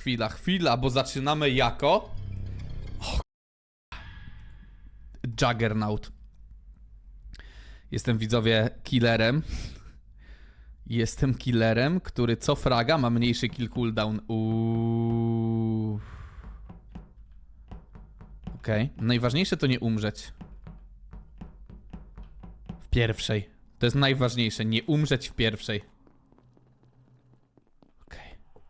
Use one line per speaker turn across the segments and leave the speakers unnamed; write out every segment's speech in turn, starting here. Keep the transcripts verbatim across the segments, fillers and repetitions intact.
chwila, chwila, bo zaczynamy jako... Oh. Juggernaut. Jestem, widzowie, killerem. Jestem killerem, który co fraga ma mniejszy kill cooldown. Uuuu. Okej. Okay. Najważniejsze to nie umrzeć. W pierwszej. To jest najważniejsze. Nie umrzeć w pierwszej. Okej.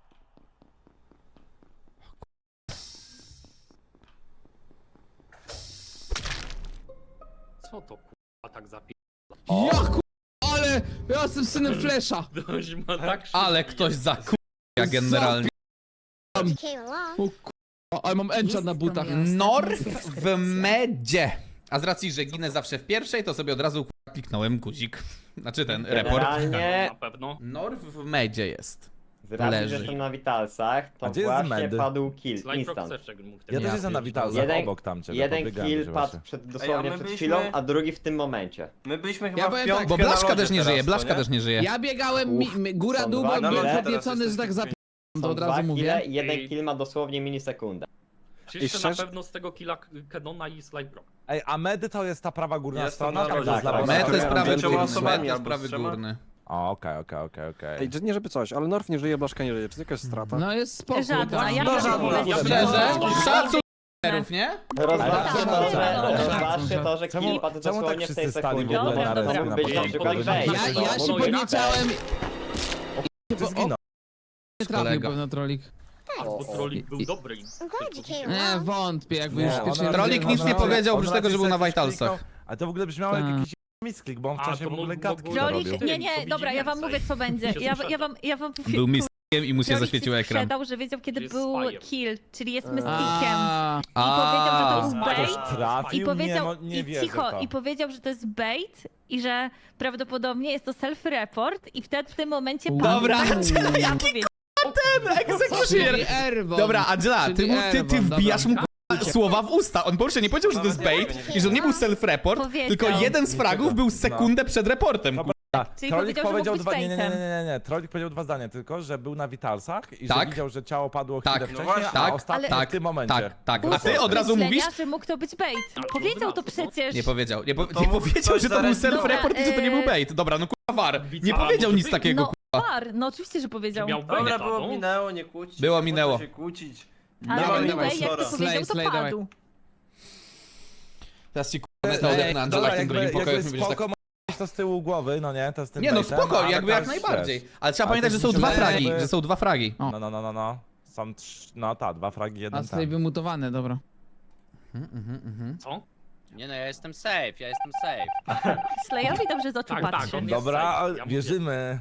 Co to kurwa tak zapi...
Ja ku... ale ja jestem synem Flesza.
Ktoś ma tak
Ale
szybko
ktoś
jest.
za k***a generalnie.
O ku... ale mam enchant na butach.
North w medzie. A z racji, że ginę zawsze w pierwszej, to sobie od razu k***a kliknąłem guzik. Znaczy ten report.
Generalnie,
Na pewno.
North w medzie jest.
z racji,
leży.
że jestem na Witalsach, to
A gdzie jest
właśnie
Medy?
padł kill,
Slime
instant.
Proxeczek mógł
Ja też
Ja
jestem na
pierdolę.
Witalsach,
Jeden-
obok tam ciebie,
Jeden
podbiegałem
kill
się
padł
właśnie.
przed, dosłownie
my
przed
byliśmy-
chwilą, a drugi w tym momencie.
My byliśmy
Ja
chyba
powiem
w
tak,
piątkę
Bo Blaszka
na lodzie
też nie
teraz,
żyje,
co
Blaszka
nie?
też nie żyje.
Ja biegałem mi, mi, góra
Są
dół,
dwa
byłem
kile,
podniecony,
teraz
że tak
jest
zapi... to
Są
od
dwa
razu
kille
mówię.
i jeden
Ej.
kill ma dosłownie milisekundę.
Czyście
szczerze-
na pewno z tego killa Kedona i Slime Proc.
Ej, a medy to jest ta prawa górna
Jestem
strona?
na
Tam
lodzie
gdzie jest
tak,
lewa
tak.
Med to
strona?
jest prawy
Pięcioma
górny.
osobami
Med to jest
albo
prawy
z trzema.
górny.
O, okej, okej, okej, okej.
Ej, nie żeby coś, ale Norf nie żyje, Blaszka nie żyje. Czy to jakaś strata?
No jest spoko.
Żadna,
tak.
ja
No,
też
żadna,
mówię,
ja
że-
Szczerze,
No,
szacun nie?
Rozważcie
tak,
to,
tak,
że,
tak,
rozważcie to, że
Czemu-
kill padł
czemu tak
dosłownie w tej
wszyscy stali w
sekundzie.
ogóle
To
na
mógł
ręce
być
na
na przykład
początku?
wejść.
Ja, ja się
No, jak
podniecałem,
Ty zginął.
nie trafił
Kolega.
pewno trolik.
Bo trolik był
I-
dobry.
Nie, wątpię, jakby już
Nie,
pierwszy
on
raz...
Trolik nic nie
on-
powiedział,
on
oprócz
raczej
tego, że był na
sobie
Vitalsach.
kliknął, A to w ogóle brzmiało jak
Tak.
jakiś misklik, bo on
A,
wcześniej
to
w ogóle
mógł-
gadki
mógł-
robił.
Trolik,
Tym,
nie,
co
nie,
widzi
dobra, ja wam
więcej.
mówię co będzie.
Się
Ja,
sprzedał.
ja wam, ja wam
Był mistykiem i mu się
Trolik
zaświecił
się
ekran.
sprzedał, że wiedział kiedy
Jest
był
spajem.
kill, czyli jest mystikiem.
A,
I powiedział, że to
A.
był
Ktoś
bait.
tra-
I
Trafił?
powiedział,
nie, mo- nie
i
wierzę
cicho,
w to.
i powiedział, że to jest bait i że prawdopodobnie jest to self-report i wtedy w tym momencie padł.
Dobra,
Tak,
czyli
ja powiedział.
Executioner!
czyli Erwon.
Dobra, Angela, ty,
Czyli
mu, ty, ty
Erwon,
wbijasz
dobra.
mu k***a, słowa w usta. On po pierwsze nie powiedział, że to jest bait i że to nie był self-report,
Powiedział.
tylko jeden z fragów był sekundę przed reportem.
Dobra.
Czyli
Trolik
powiedział, że
powiedział
mógł
dwa,
być
nie, nie, nie, nie,
baitem.
nie, nie, Trolik powiedział dwa zdania, tylko że był na Witalsach i
Tak.
że widział, że ciało padło chwilę
Tak.
wcześniej,
No właśnie.
a
Tak,
ostatnio
ale-
w tym momencie.
Tak, tak. A
Było
ty od razu
myślenia,
mówisz?
że mógł to być bait.
Ale
Powiedział to
to-
przecież.
Nie powiedział. Nie, po,
to
nie
mógł
powiedział,
ktoś
że to był
zarejestrować.
self-report i że to nie był
Dobra,
bait. Dobra, no kurwa war. Nie
Widziała,
powiedział
może
nic
być.
takiego,
No,
kurwa.
war, no oczywiście, że powiedział.
Miał
Dobra,
baita,
było
no.
minęło, nie kłócić.
Było,
nie można
minęło.
się kłócić.
Ale
Nie ma
dawaj,
anyway, jak
impostora.
to powiedział, to
Slay, slay, dawaj.
padł.
Teraz ci kurwa metę odepnę, Angela, w tym drugim pokoju.
jakby
jak mi będziesz tak...
spoko mieć to z tyłu głowy, no nie, to z tym
Nie no,
baitem,
spoko,
ale
jakby jak
tak,
najbardziej.
wiesz.
Ale trzeba
Ale
pamiętać,
to
że są
mi się
dwa
wydaje,
fragi,
jakby-
że są dwa fragi.
O.
No, no, no, no, no. Są trz... no tak, dwa fragi,
A
jeden
tutaj
ten.
wymutowane, dobra.
Co?
Nie no, ja jestem safe, ja jestem safe.
Slayowi dobrze z oczu
Tak, tak,
patrzy.
on jest
Dobra,
safe,
ale
ja mówię.
wierzymy.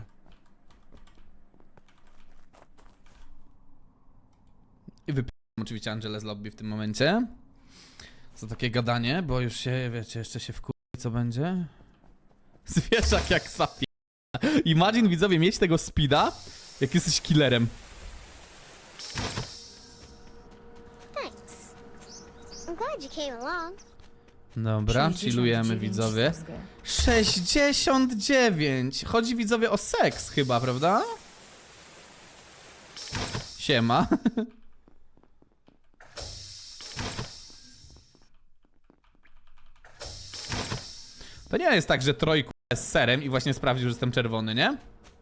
I wypiłem oczywiście Angelę z lobby w tym momencie. Za takie gadanie, bo już się, wiecie, jeszcze się wkur... co będzie? Zwierzak jak sapie. Imagine, widzowie, mieć tego speeda, jak jesteś killerem.
Thanks. I'm glad you came along.
Dobra, chillujemy, widzowie. sześćdziesiąt dziewięć! Chodzi, widzowie, o seks chyba, prawda? Siema. To nie jest tak, że trojku jest serem i właśnie sprawdził, że jestem czerwony, nie?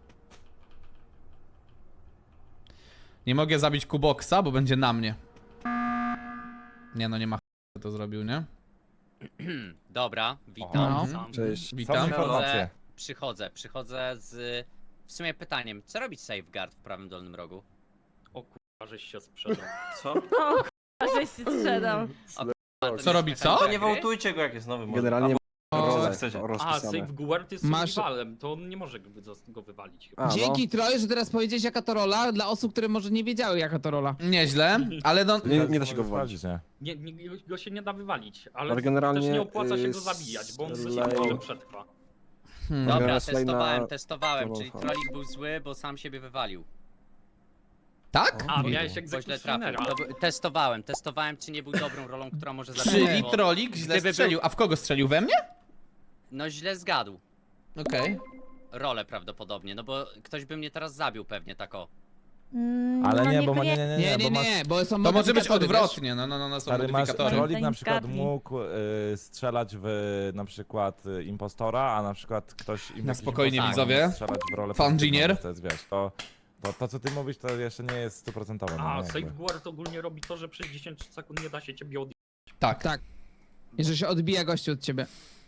Nie mogę zabić Kuboksa, bo będzie na mnie. Nie no, nie ma ch... to zrobił, nie?
Dobra, witam.
No.
Sam.
Cześć.
Są
Witam.
informacje.
Przychodzę, przychodzę z... W sumie pytaniem, co robić safeguard w prawym dolnym rogu?
O kurwa, żeś się sprzedał.
Co?
A żeś się sprzedał.
Co robi co?
To nie wołtujcie go, jak jest nowy. może.
Generalnie
Albo-
rolę
chcecie.
A,
rozpisane.
Safeguard jest
Masz-
survivalem, to on nie może go go wywalić chyba.
A, no.
Dzięki Troj, że teraz powiedziałeś jaka to rola, dla osób, które może nie wiedziały jaka to rola.
Nieźle, ale no...
Nie, nie da się go wywalić.
Sprawdzić, nie?
Nie, nie, go się nie da wywalić, ale,
Ale generalnie,
też nie opłaca się
y,
go zabijać, bo on
Slay-
sobie może przetrwa.
Hmm.
Dobra,
Teraz slay
testowałem,
na-
testowałem,
na
czyli
Wolfa.
trolik był zły, bo sam siebie wywalił.
Tak?
A, miałeś
Bo źle trafił.
egzekucjonera.
To by- Testowałem, testowałem, czy nie był dobrą rolą, która może zabić.
Czyli
bo-
trolik źle
Gdyby
strzelił. A w kogo strzelił? We mnie?
No źle zgadł.
Okej.
Rolę prawdopodobnie, no bo ktoś by mnie teraz zabił pewnie, tak o.
Mm,
Ale
no
nie, bo ma- nie, nie, nie,
Nie,
nie,
nie,
bo masz...
nie, bo są
To może być
modyfikatory, wiesz?
odwrotnie, no, no, no, no są
Stary, masz,
modyfikatory.
Rolik na przykład
Zgadnij.
mógł y, strzelać w na przykład y, impostora, a na przykład ktoś... im-
Na
jakiś
spokojnie,
impostor
widzowie.
mógł strzelać w rolę
Fan
pozytywną,
Junior.
To jest, wiesz, to, to, to co ty mówisz, to jeszcze nie jest stuprocentowe. No,
A
nie, jakby.
Safeguard ogólnie robi to, że przez dziesięć sekund nie da się ciebie odjechać.
Tak.
Tak. I że się odbija gościu od ciebie.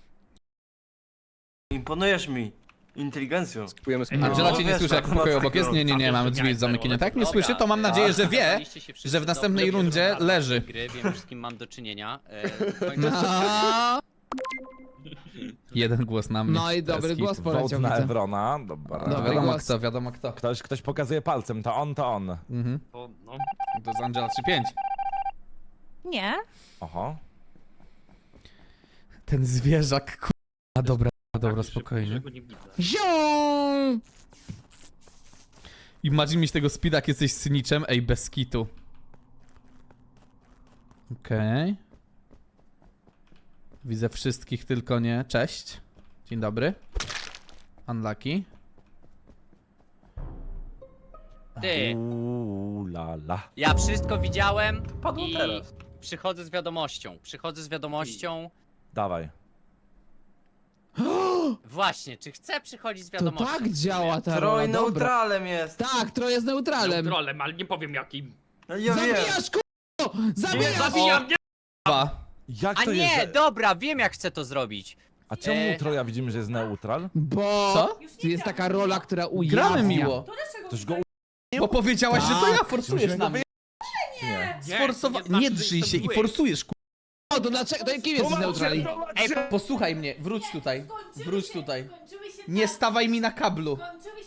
Imponujesz mi. Inteligencją.
Kupujemy
No,
Angela cię nie
wiesz,
słyszy, jak
tak,
w pokoju
no,
obok jest. Nie, nie, nie, mamy drzwi zamykane. Tak, nie słyszy, to mam nadzieję, że wie, że w następnej rundzie leży.
Gry, wiem już z kim mam do czynienia. E, w końcu-
No,
Jeden głos na mnie.
no i dobry
Bez
głos
hitu.
poleciał,
Vote na
widzę.
Evrona, dobra.
Dobra.
Wiadomo
głos.
kto, wiadomo kto.
Ktoś, ktoś pokazuje palcem, to on, to on.
Mhm.
To, no,
To jest Angela trzy pięć.
Nie.
Oho.
Ten zwierzak, k***a, dobra, dobra,
tak,
spokojnie.
że go nie widzę.
Ziom!
Imagine mieć tego speeda, jak jesteś cyniczem, ej, bez kitu. Okej. Widzę wszystkich, tylko nie. Cześć. Dzień dobry. Unlucky.
Ty,
Uuu, la, la.
ja wszystko widziałem
Padło
i
teraz.
przychodzę z wiadomością. Przychodzę z wiadomością.
Dawaj.
Właśnie, czy chcę przychodzić z
To
wiadomością?
tak działa ta
Troj
rola, dobra.
neutralem jest.
Tak, Troj jest neutralem.
Neutralem, ale nie powiem jakim.
No ja wiem.
Zabijasz, k***o!
Nie,
Zabijasz!
zabijam, nie!
Dwa.
Jak
A
to
nie,
jest? że-
dobra, wiem jak chcę to zrobić.
A czemu
E,
u Troja widzimy, że jest neutral?
Bo
Co?
jest taka rola, która ujawnia.
Gramy miło.
Ktoś go u...
Bo powiedziałaś, że to ja forsujesz
Musimy
na
go
mnie.
czy nie?
Sforsowa...
to nie znaczy,
Nie
że
drzyj
jestem
się i
zły.
forsujesz, ku...
O, to dlaczego? To kim jesteś neutrali?
Ej, posłuchaj mnie, wróć tutaj. Wróć tutaj. Nie stawaj mi na kablu.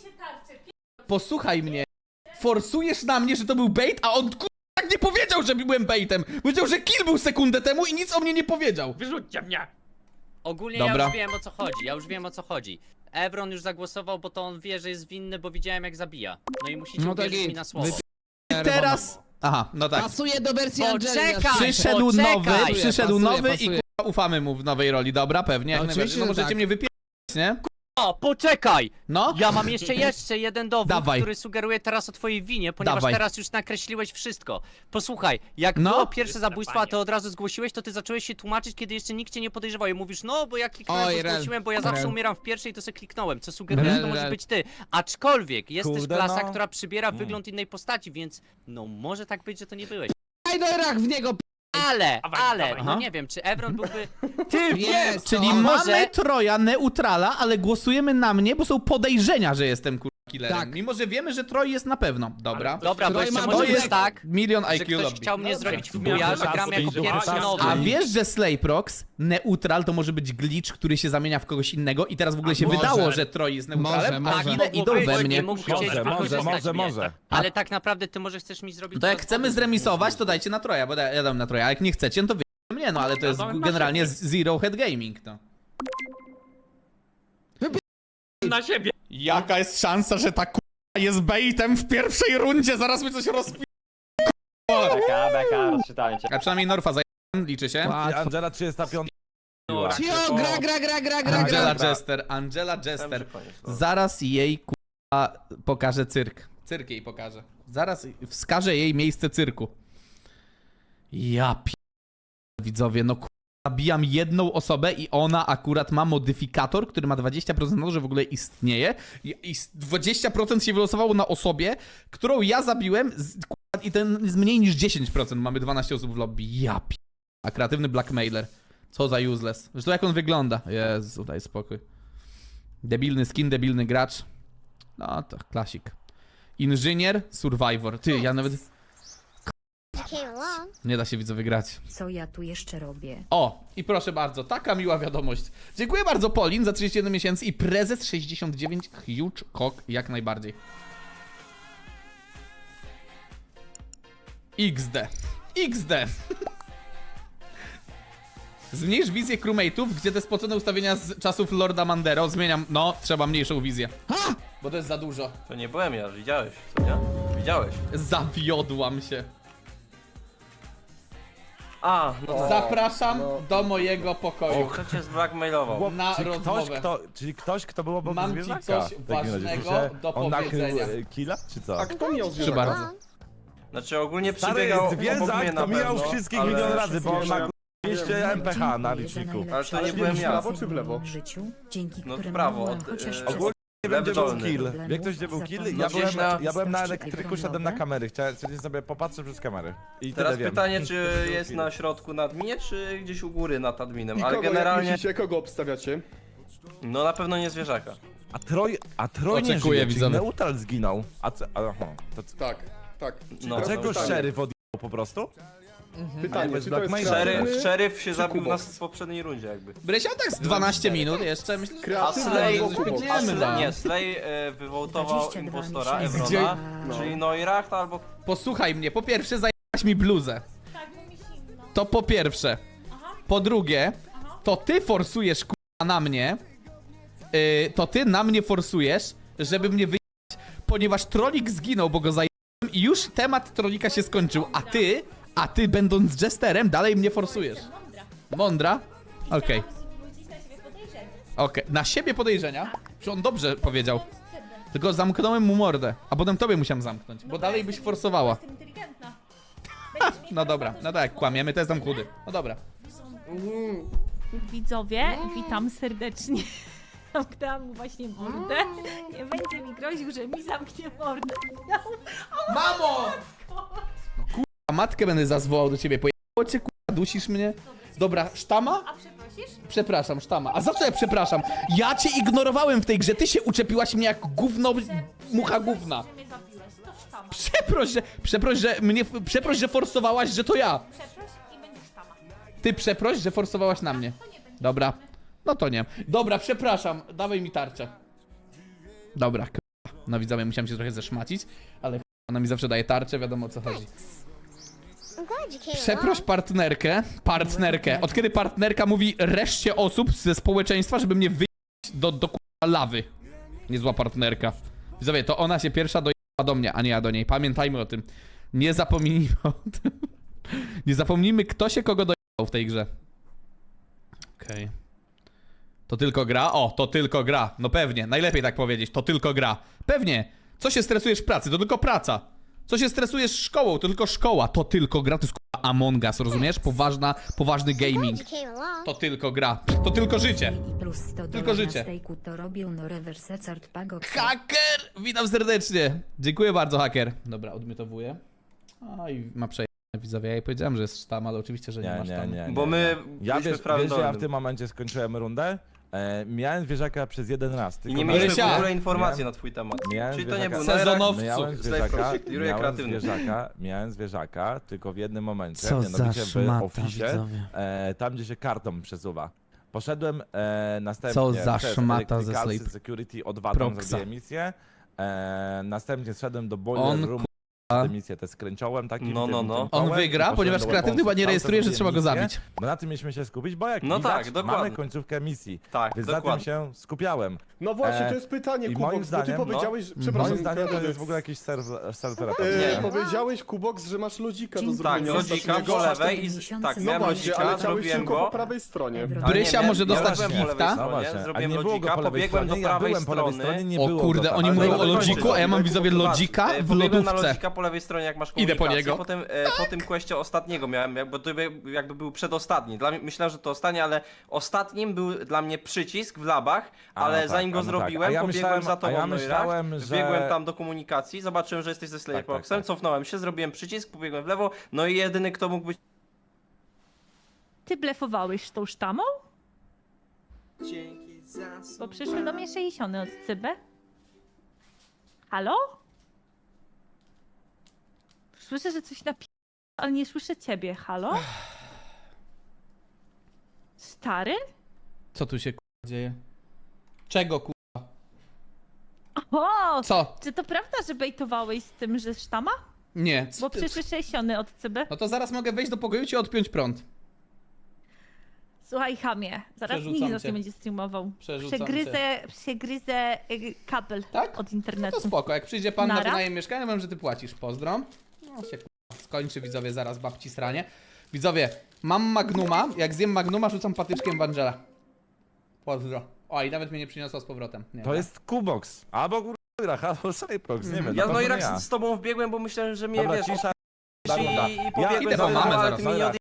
Posłuchaj mnie. Forsujesz na mnie, że to był bait, a on ku... tak nie powiedział, że byłem baitem. Powiedział, że kill był sekundę temu i nic o mnie nie powiedział.
Wyrzućcie mnie!
Ogólnie
Dobra.
ja już wiem o co chodzi, ja już wiem o co chodzi. Evron już zagłosował, bo to on wie, że jest winny, bo widziałem jak zabija. No i musicie
No tak
uwierzyć
i
mi na słowo.
wy-
Teraz... Aha, no tak.
Pasuje do wersji
Poczekaj!
Angeli. na szczęście.
Przyszedł
poczekaj.
nowy,
Pasuje,
przyszedł
pasuje,
nowy i
pasuje.
kurwa ufamy mu w nowej roli, dobra? Pewnie, jak
Oczywiście,
najbardziej. No
że
możecie
tak.
mnie wypierać, nie?
O, poczekaj!
No?
Ja mam jeszcze jeszcze jeden dowód,
Dawaj.
który sugeruje teraz o twojej winie, ponieważ
Dawaj.
teraz już nakreśliłeś wszystko. Posłuchaj, jak
No.
było pierwsze zabójstwo, a
Panie.
ty od razu zgłosiłeś, to ty zacząłeś się tłumaczyć, kiedy jeszcze nikt cię nie podejrzewał i mówisz, no bo ja kliknąłem,
Oj,
to
rel,
zgłosiłem, bo ja zawsze
rel.
umieram w pierwszej, to sobie kliknąłem, co sugeruje, że to
Rel,
może
rel.
być ty. Aczkolwiek jest
Kurde,
też klasa,
no.
która przybiera wygląd innej postaci, więc no może tak być, że to nie byłeś.
Daj do rach w niego, p***.
Ale,
Dawaj,
ale,
dawaj.
no
Aha.
nie wiem, czy Evron byłby... Ty
Jest,
Czyli
to-
mamy
może-
Troja neutrala, ale głosujemy na mnie, bo są podejrzenia, że jestem kurwa killerem.
Tak.
Mimo, że wiemy, że Troj jest na pewno. Dobra.
Ale to-
Dobra, bo
Troj
jeszcze
ma
może
duże-
być tak,
Milion
że
I Q
ktoś
lobby.
chciał mnie zrobić w
Dobra.
buja, że
Dobra.
gram jako
Dobra.
pierwszy
Dobra.
nowy.
A wiesz, że Slayprox, neutral, to może być glitch, który się zamienia w kogoś innego i teraz w ogóle
A
się
może.
wydało, że Troj jest neutralem,
Może,
a
może.
ile
Tak,
idą
mógł
we
być,
mnie.
nie mógł chcieć
Może, może,
wykorzystać
może,
mnie.
może.
Ale tak naprawdę ty może chcesz mi zrobić...
To jak
to
chcemy
z
zremisować, to dajcie na Troja, bo ja ja dam na Troja, a jak nie chcecie, no to wy mnie, no ale to jest
Ja dam na
generalnie
siebie.
zero head gaming, no.
Na siebie!
Jaka jest szansa, że ta k***a jest baitem w pierwszej rundzie, zaraz mi coś rozpi...
Beka, beka, rozczytałem cię.
A przynajmniej Norfa zajęłem, liczy się.
I
Łatwo.
Angela trzydzieści pięć.
Cio, gra, gra, gra, gra, gra,
Angela
gra.
Jester, Angela
Myślałem,
Jester.
że koniec, no.
Zaraz jej k***a pokażę cyrk. Cyrk jej pokażę. Zaraz wskażę jej miejsce cyrku. Ja p... widzowie, no k***a, zabijam jedną osobę i ona akurat ma modyfikator, który ma dwadzieścia procent na to, że w ogóle istnieje i, i dwadzieścia procent się wylosowało na osobie, którą ja zabiłem z, k***a, i ten jest mniej niż dziesięć procent. Mamy dwanaście osób w lobby. Ja p... A kreatywny blackmailer. Co za useless. Zresztą jak on wygląda? Jezu, daj spokój. Debilny skin, debilny gracz. No to klasik. Inżynier, survivor. Ty, ja nawet...
You came along.
Nie da się widzowie grać.
Co ja tu jeszcze robię?
O, i proszę bardzo, taka miła wiadomość. Dziękuję bardzo Polin za trzydzieści jeden miesięcy i prezes sześćdziesiąt dziewięć huge cock jak najbardziej. X D. X D. Zmniejsz wizję crewmate'ów, gdzie te spocone ustawienia z czasów Lorda Mandero. Zmieniam, no, trzeba mniejszą wizję.
Ha!
Bo to jest za dużo.
To nie byłem ja, widziałeś, co nie? Widziałeś.
Zawiodłam się.
A, no tak.
Zapraszam do mojego pokoju.
Kto cię zblackmailował?
Chłop,
Na
czy ktoś,
rozmowę.
kto, czyli ktoś, kto był obok
Mam ci
zwierzaka?
coś
w takim razie.
ważnego
W sensie,
do
On nakrył
powiedzenia.
e, killa, czy co?
A kto miał
Proszę
zwierzaka?
bardzo.
Wrong.
Znaczy ogólnie
Stary,
przebiegał obok
zwierzak
mnie na
to mijał
pewno,
wszystkich
ale...
milion razy, bo on ma
Ja
dwieście M P H na liczniku.
Ale to nie byłem
w
ja.
prawo czy w lewo?
No w prawo, od, e,
Ogólnie nie wiem,
lewy
gdzie był
dolny.
kill. Wie ktoś, gdzie był kill? Ja
No
byłem
gdzieś
na,
na-
ja byłem na elektryku, szedłem na kamery. Chciałem chciałem sobie popatrzeć przez kamery. I
Teraz
tyle wiem.
pytanie, czy
Był
jest
kill.
na środku nad mnie, czy gdzieś u góry nad adminem,
I
ale
kogo, jak
generalnie,
myślicie, kogo obstawiacie?
no na pewno nie zwierzaka.
A Troj, a Troj nie
Oczekuję,
żyje, czyli
widzowie.
Neutral zginął. A co, aha, to co?
Tak, tak.
No,
Dlaczego
to pytanie.
szeryf odjechał po prostu?
Pytanie,
bez
czy to jest
Blackmaila.
kreatywny,
Szeryf, szeryf się
czy
zabił
Kubox?
nas w poprzedniej rundzie jakby.
Brysia tak z dwanaście minut jeszcze, myślę, że...
A
Kreatywny
Slay,
albo Kubox?
a
Biegniemy,
Slay,
no.
nie, Slay e, wywołtował impostora
Gdzie-
Evrona,
No.
czyli Neuracht albo...
Posłuchaj mnie, po pierwsze zajęłaś mi bluzę. To po pierwsze. Po drugie, to ty forsujesz k***a na mnie. Yy, to ty na mnie forsujesz, żeby mnie wyjechać, ponieważ trolik zginął, bo go zajęłem i już temat trolika się skończył, a ty, a ty będąc jesterem dalej mnie forsujesz. Mądra? Okej. Okej, na siebie podejrzenia? Czy on dobrze powiedział? Tylko zamknąłem mu mordę, a potem tobie musiałem zamknąć, bo dalej byś forsowała. No dobra, no tak, kłamiemy, to jestem chudy. No dobra.
Widzowie, witam serdecznie. Zamknęłam mu właśnie mordę. Nie będzie mi groził, że mi zamknie mordę.
Mamo! No kurwa, matkę będę zazwołał do ciebie, pojechało cię, kurwa, dusisz mnie? Dobra, sztama?
A przeprosisz?
Przepraszam, sztama. A za co ja przepraszam? Ja cię ignorowałem w tej grze, ty się uczepiłaś mnie jak gówno, mucha gówna.
Mnie zabiłeś, to sztama.
Przeproś, że, przeproś, że mnie, przeproś, że forsowałaś, że to ja.
Przeproś i będziesz sztama.
Ty przeproś, że forsowałaś na mnie. Dobra. No to nie. Dobra, przepraszam. Dawaj mi tarczę. Dobra, k***a. No widzowie, musiałem się trochę zeszmacić, ale k***a, ona mi zawsze daje tarczę, wiadomo o co chodzi.
I'm glad you came
Przeproś
along.
partnerkę, partnerkę. Od kiedy partnerka mówi reszcie osób ze społeczeństwa, żeby mnie wyjść do, do k***a lawy. Niezła partnerka. Widzowie, to ona się pierwsza dojechała do mnie, a nie ja do niej. Pamiętajmy o tym. Nie zapomnijmy o tym. Nie zapomnijmy, kto się kogo dojechał w tej grze. Okej. Okay. To tylko gra? O, to tylko gra. No pewnie, najlepiej tak powiedzieć. To tylko gra. Pewnie. Co się stresujesz w pracy? To tylko praca. Co się stresujesz szkołą? To tylko szkoła. To tylko gra. To jest k***a Among Us, rozumiesz? Poważna, poważny gaming.
Glad you came along.
To tylko gra. To tylko życie.
I plus sto
Tylko życie.
To robił no reverse card pago.
Haker! Witam serdecznie. Dziękuję bardzo, haker. Dobra, odmiotowuję. A i ma przejęcie. Widzowie, ja jej powiedziałem, że jest sztam, ale oczywiście, że nie,
Nie,
ma
nie,
sztamu.
nie.
Bo my
Ja
byliśmy
wiesz,
w prawym
wiesz że ja w
dolnym.
tym momencie skończyłem rundę. E, miałem zwierzaka przez jeden raz.
I
Tylko
nie
na-
mieliśmy
Marysia!
w ogóle informacji
Miałem-
na twój temat.
miałem
Czyli to nie
zwierzaka.
był
Sezonowców.
Miałem
Slay
zwierzaka,
Project, Leroy
miałem
kreatywny.
zwierzaka, miałem zwierzaka, tylko w jednym momencie,
Co
mianowicie
za
w
szmata,
oficie,
widzowie.
e, tam gdzie się kartą przesuwa. Poszedłem e, następnie
Co za
przez
szmata ze
Electricalsy
Slate.
Security o dwa tam
Proxa.
zrobiłem misję. E, następnie zszedłem do Boiler
On,
Room,
k***a.
tę misję te skręciłem takim
No,
tym,
no,
tym
no.
kołem
On
i
wygra,
poszedłem
ponieważ
do
kreatywny
weaponsów,
chyba nie
tam
rejestruje, że
zrobiłem
trzeba go
misję.
zabić.
No na tym mieliśmy się skupić, bo jak
No
widać,
tak, dokładnie.
mamy końcówkę misji.
Tak,
Więc na tym
dokładnie.
się skupiałem.
No właśnie,
E,
to jest pytanie,
i
Kubox,
moim
bo ty
zdaniem, no,
powiedziałeś, przepraszam,
Moim zdaniem to
kreatywny.
jest w ogóle jakiś serwer serwer
E,
Nie.
powiedziałeś, Kubox, że masz lodzika do
Tak,
Tak,
zrobienia
lodzika
ostatniego.
po
Ostatniego.
lewej i...
Miesiące.
Tak,
No
miałem
Właśnie,
lodzika,
ale chciałeś
zrobiłem
tylko po
go.
prawej stronie.
Ebron.
Ale
Brysia
nie,
może
nie
dostać
zrobiłem po lewej
gifta?
No
stronie,
właśnie, a
zrobiłem
nie było go
lodzika,
po lewej
pobiegłem do
stronie, ja
prawej
byłem po lewej
strony.
stronie, nie
O
było
kurde,
go tam.
oni
Ale
mówią
dobra,
o
kończę.
lodziku, a ja mam widzowie
Zobacz,
lodzika
e,
w
pobiegłem na
lodówce.
lodzika po lewej stronie, jak masz
Idę po
komunikację.
niego.
Potem e, po tym questie ostatniego miałem, jak- bo to jakby jakby był przedostatni. Dla mnie, myślałem, że to ostatni, ale ostatnim był dla mnie przycisk w labach,
A,
ale
tak,
zanim
a
go
no tak.
zrobiłem,
A ja
pobiegłem
myślałem-
za
a
tobą,
ja
no i
myślałem,
rak,
że-
wbiegłem tam do komunikacji, zobaczyłem, że jesteś ze Slayerboxem,
tak, tak.
cofnąłem się, zrobiłem przycisk, pobiegłem w lewo, no i jedyny, kto mógł być...
Ty blefowałeś tą sztamą? Bo przyszły do mnie sześćdziesiąt od Cybę. Halo? Słyszę, że coś napi... ale nie słyszę ciebie. Halo? Stary?
Co tu się k***a dzieje? Czego k***a?
O!
Co?
Czy to prawda, że bejtowałeś z tym, że sztama?
Nie. co
Bo
ty-
przyszły sześćdziesiąt od Cybę.
No to zaraz mogę wejść do pokoju i ci odpiąć prąd.
Słuchaj, chamie, zaraz
Przerzucam
nikt nas
cię.
nie będzie streamował.
Przerzucam
Przegryzę, przegryzę y, kabel
Tak?
od
No
internetu.
to spoko, jak przyjdzie pan na
Nara?
wynajem mieszkania, wiem, że ty płacisz. Pozdro. No się k***a skończy, widzowie, zaraz babci sranie. Widzowie, mam Magnuma, jak zjem Magnuma, rzucam patyczkiem w Angela. Pozdro. O, i nawet mnie nie przyniosła z powrotem. Nie,
To jest Kubox. Albo Gurach, albo Cyprox, nie wiem.
Ja
na
no
pewno
i
nie
tak
ja.
z, z tobą wbiegłem, bo myślałem, że mnie
Dobra,
wiesz,
cisza.
i,
Dobra.
i
Ja
pobiegłem
idę
za
do
tobą,
mamy
ale
zaraz,
ty mnie nie
dobra.
odjechałeś.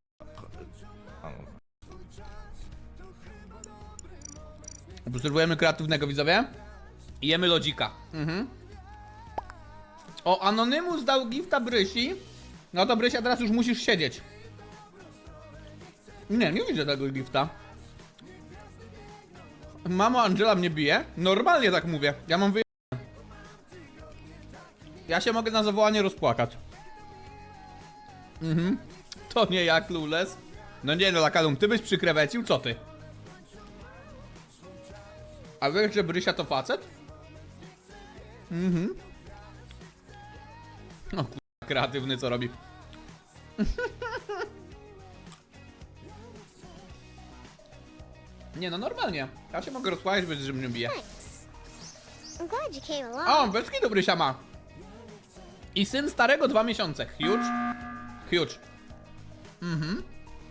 Obserwujemy kreatywnego, widzowie. I jemy lodzika. Mhm. O, Anonymous dał gifta Brysi. No to Brysia, teraz już musisz siedzieć. Nie, nie widzę tego gifta. Mamo, Angela mnie bije? Normalnie tak mówię. Ja mam wyje... Ja się mogę na zawołanie rozpłakać. Mhm. To nie ja, Clueless. No nie no, Lakalum, ty byś przykrewecił, co ty? A wiesz, że Brysia to facet? Mhm. No kurwa, kreatywny co robi. Nie no, normalnie. Ja się mogę rozpłakać, bez że mnie bije.
I'm glad you came along.
O, bez kitu Brysia ma. I syn starego dwa miesiące. Huge. Huge. Mhm.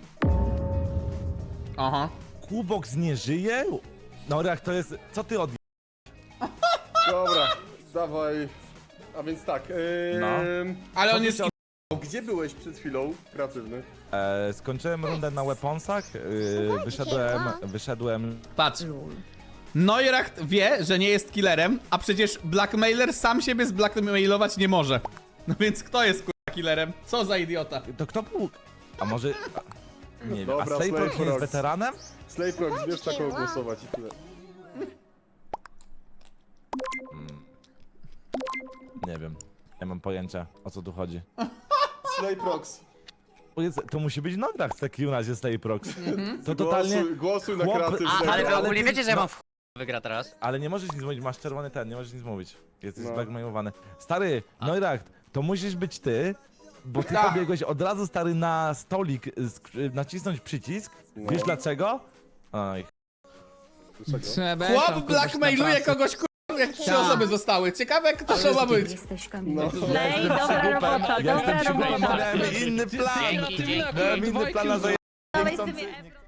Aha.
Kubox nie żyje? No jak to jest... Co ty od...
Dobra, dawaj. A więc tak, yy,
No.
Ale
Co
on
ty
jest...
się
gdzie byłeś przed chwilą, kreatywny?
E, skończyłem rundę na weaponsach, e, wyszedłem, wyszedłem...
Patrz. Neuracht wie, że nie jest killerem, a przecież blackmailer sam siebie zblackmailować nie może. No więc kto jest kurwa killerem? Co za idiota?
To kto był? A może... Nie wiem, a
Dobra,
Slayprox nie jest
Slayprox.
weteranem?
Slayprox, wiesz na kogo głosować i tyle.
Nie wiem, nie mam pojęcia, o co tu chodzi.
Slayprox.
Powiedz, to musi być Neuracht w takim razie Slayprox. To totalnie...
Głosuj, głosuj na
Chłop-
kreatywnego.
A, ale wy
Ale
ogólnie
ty-
wiecie, że ja
no-
mam w wygra teraz?
Ale nie możesz nic mówić, masz czerwony ten, nie możesz nic mówić. Jesteś
No.
zblackmailowany. Stary, Neuracht, to musisz być ty, bo ty
Tak.
pobiegłeś od razu, stary, na stolik, sk- nacisnąć przycisk.
No.
Wiesz dlaczego? Oj,
Dlaczego?
Trzeba
Chłop
tam, kurwa,
blackmailuje
na pracę.
kogoś kurwa, jak trzy
Tak.
osoby zostały. Ciekawe kto to ma być.
Jesteś
No.
Kamilem.
Slay, dobra robota,
ja jestem
dobra
przygotowany,
robota.
miałem inny plan.
Dzięki, dzięki.
Miałem inny plan na zajęcie.
Dawaj z tymi Ebro.